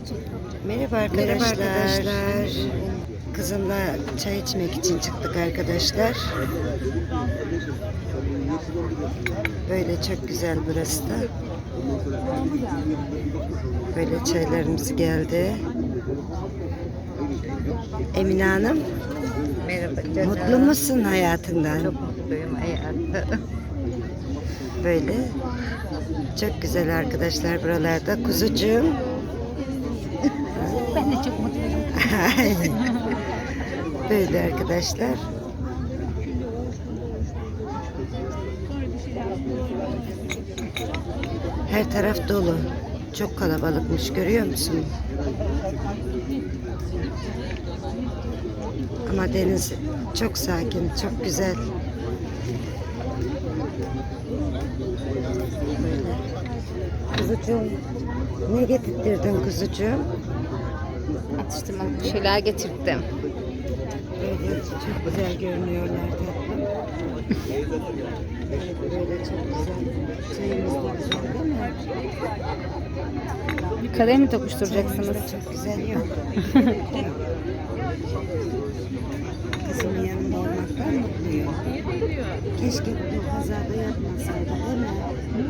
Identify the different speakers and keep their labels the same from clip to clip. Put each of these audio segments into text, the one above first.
Speaker 1: Merhaba arkadaşlar. Kızımla çay içmek için çıktık arkadaşlar. Böyle çok güzel burası da. Böyle çaylarımız geldi. Emine Hanım.
Speaker 2: Merhaba canım.
Speaker 1: Mutlu musun hayatından?
Speaker 2: Çok mutluyum hayatım.
Speaker 1: Böyle. Çok güzel arkadaşlar buralarda. Kuzucuğum.
Speaker 2: Ben de çok mutluyum.
Speaker 1: Aynen. Böyle arkadaşlar. Her taraf dolu. Çok kalabalıkmış, görüyor musun? Ama deniz çok sakin, çok güzel. Böyle. Kuzucuğum, ne getirdin kuzucuğum?
Speaker 2: Atıştırmalık bir şeyler getirdim.
Speaker 1: Böyle çok güzel görünüyorlar tatlım. Böyle çok güzel. Çayımız da güzel değil mi?
Speaker 2: Kadeh mi
Speaker 1: Çayımız
Speaker 2: tokuşturacaksınız?
Speaker 1: da çok güzel yok. Kızımın yanında olmaktan mutluyum. Keşke bu kazada yapmasaydı değil mi?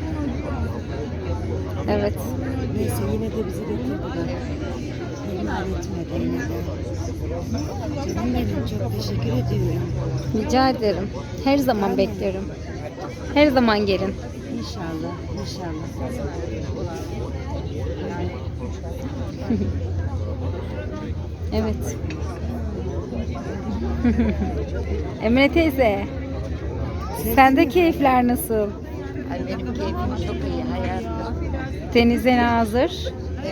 Speaker 2: Evet.
Speaker 1: Neyse yine de bizi götürdüler. İhmal etmedi yine de. Canım benim, çok teşekkür ediyorum.
Speaker 2: Rica ederim. Her zaman beklerim. Her zaman gelin.
Speaker 1: İnşallah, inşallah.
Speaker 2: Evet. Emre teyze. Sende keyifler nasıl?
Speaker 3: Ay benim keyfim çok iyi hayatım.
Speaker 2: Denize hazır.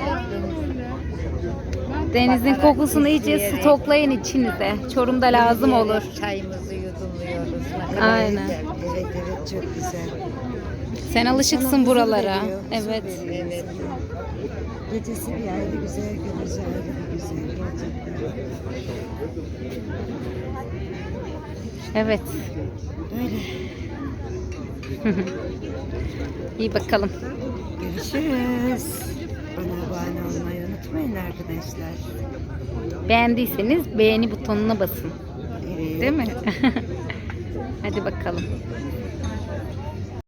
Speaker 2: Denizin kokusunu iyice stoklayın içinize. Çorum'da lazım olur.
Speaker 3: Çayımızı yudumluyoruz. Ne kadar
Speaker 2: Aynen.
Speaker 3: güzel.
Speaker 1: Evet, evet, çok güzel.
Speaker 2: Sen alışıksın buralara.
Speaker 1: Huzur veriyor, huzur
Speaker 2: Evet.
Speaker 1: veriyor
Speaker 3: Evet.
Speaker 1: insana. Gecesi bir ayrı güzel, gündüzü ayrı bir güzel gerçekten.
Speaker 2: Evet.
Speaker 1: Böyle.
Speaker 2: İyi bakalım.
Speaker 1: Görüşürüz. Bana abone olmayı unutmayın arkadaşlar.
Speaker 2: Beğendiyseniz beğeni butonuna basın.
Speaker 1: Evet.
Speaker 2: Değil mi? Hadi bakalım.